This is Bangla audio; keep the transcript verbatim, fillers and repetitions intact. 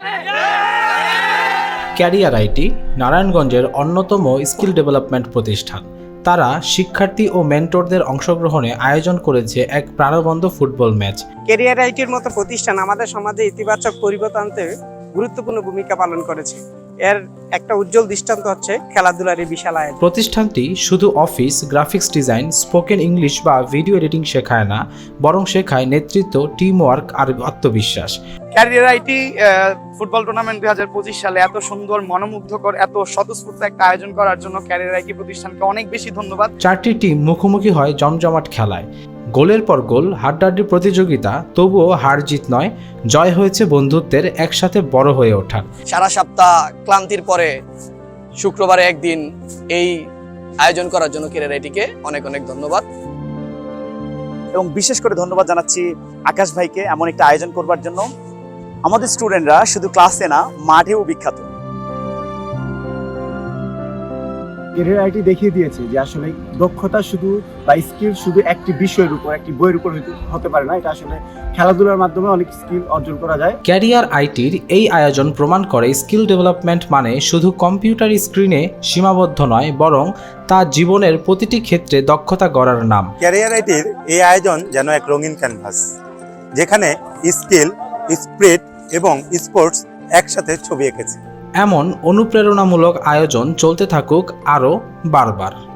ক্যারিয়ার আইটি নারায়ণগঞ্জের অন্যতম স্কিল ডেভেলপমেন্ট প্রতিষ্ঠান। তারা শিক্ষার্থী ও মেন্টরদের অংশগ্রহণে আয়োজন করেছে এক প্রাণবন্ত ফুটবল ম্যাচ। ক্যারিয়ার আইটির মতো প্রতিষ্ঠান আমাদের সমাজে ইতিবাচক পরিবর্তন আনতে গুরুত্বপূর্ণ ভূমিকা পালন করেছে। এর একটা উজ্জ্বল দৃষ্টান্ত হচ্ছে খেলাধুলার এই বিশাল আয়োজন। প্রতিষ্ঠানটি শুধু office, graphics design, spoken English বা ভিডিও এডিটিং শেখায় না, বরং শেখায় নেতৃত্ব, টিম ওয়ার্ক আর আত্মবিশ্বাস। ক্যারিয়ার আইটি ফুটবল টুর্নামেন্ট দুই হাজার পঁচিশ সালে এত সুন্দর, মনোমুগ্ধকর, এত স্বতঃস্ফূর্ত একটা আয়োজন করার জন্য ক্যারিয়ার আইটি প্রতিষ্ঠানকে অনেক বেশি ধন্যবাদ। চারটি টিম মুখোমুখি হয় জমজমাট খেলায়, গোলের পর গোল, হাড্ডাহাড্ডি প্রতিযোগিতা, তবুও হার জিত নয়, জয় হয়েছে বন্ধুত্বের, একসাথে বড় হয়ে ওঠা। সারা সপ্তাহ ক্লান্তির পরে শুক্রবারে একদিন এই আয়োজন করার জন্য ক্যারিয়ার আইটিকে অনেক অনেক ধন্যবাদ। এবং বিশেষ করে ধন্যবাদ জানাচ্ছি আকাশ ভাইকে এমন একটা আয়োজন করবার জন্য। আমাদের স্টুডেন্টরা শুধু ক্লাসে না, মাঠেও বিখ্যাত। ক্যারিয়ার আইটি দেখিয়ে দিয়েছে যে আসলে দক্ষতা শুধু বা স্কিল শুধু একটি বিষয়ের উপর, একটি বইয়ের উপর হতে পারে না। এটা আসলে খেলাধুলার মাধ্যমে অনেক স্কিল অর্জন করা যায়। ক্যারিয়ার আইটির এই আয়োজন প্রমাণ করে স্কিল ডেভেলপমেন্ট মানে শুধু কম্পিউটার স্ক্রিনে সীমাবদ্ধ নয়, বরং তা জীবনের প্রতিটি ক্ষেত্রে দক্ষতা গড়ার নাম। ক্যারিয়ার আইটির এই আয়োজন যেন এক রঙিন ক্যানভাস, যেখানে স্কিল, স্পিরিট এবং স্পোর্টস একসাথে ছবি এঁকেছে। এমন অনুপ্রেরণামূলক আয়োজন চলতে থাকুক আরও বারবার।